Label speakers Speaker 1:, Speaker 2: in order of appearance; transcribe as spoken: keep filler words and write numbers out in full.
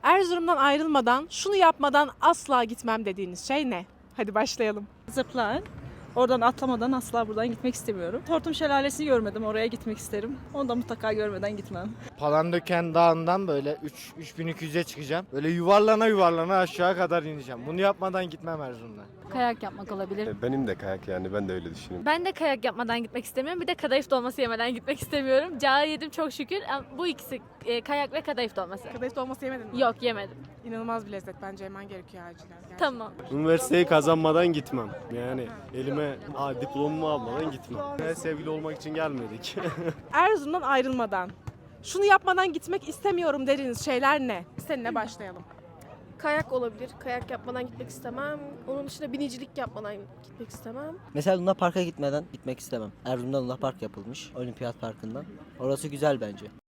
Speaker 1: Erzurum'dan ayrılmadan, şunu yapmadan asla gitmem dediğiniz şey ne? Hadi başlayalım.
Speaker 2: Zipline. Oradan atlamadan asla buradan gitmek istemiyorum. Hortum Şelalesi'ni görmedim, oraya gitmek isterim. Onu da mutlaka görmeden gitmem.
Speaker 3: Palandöken Dağı'ndan böyle üç bin iki yüze çıkacağım. Böyle yuvarlana yuvarlana aşağı kadar ineceğim. Bunu yapmadan gitmem Erzurum'dan.
Speaker 4: Kayak yapmak olabilir.
Speaker 5: Benim de kayak, yani ben de öyle düşünüyorum.
Speaker 6: Ben de kayak yapmadan gitmek istemiyorum. Bir de kadayıf dolması yemeden gitmek istemiyorum. Cağı yedim çok şükür. Ama bu ikisi e, kayak ve kadayıf dolması.
Speaker 1: Kadayıf dolması yemedin mi?
Speaker 6: Yok yemedim.
Speaker 1: İnanılmaz bir lezzet. Bence yemen gerekiyor acilen. Gerçekten.
Speaker 6: Tamam.
Speaker 7: Üniversiteyi kazanmadan gitmem. Yani elime a, diplomamı almadan gitmem. Yani sevgili olmak için gelmedik.
Speaker 1: Erzurum'dan ayrılmadan, şunu yapmadan gitmek istemiyorum dediğiniz şeyler ne? Seninle başlayalım.
Speaker 8: Kayak olabilir. Kayak yapmadan gitmek istemem. Onun dışında binicilik yapmadan gitmek istemem.
Speaker 9: Mesela Luna Park'a gitmeden gitmek istemem. Erzurum'da Luna Park yapılmış. Olimpiyat Parkı'ndan. Orası güzel bence.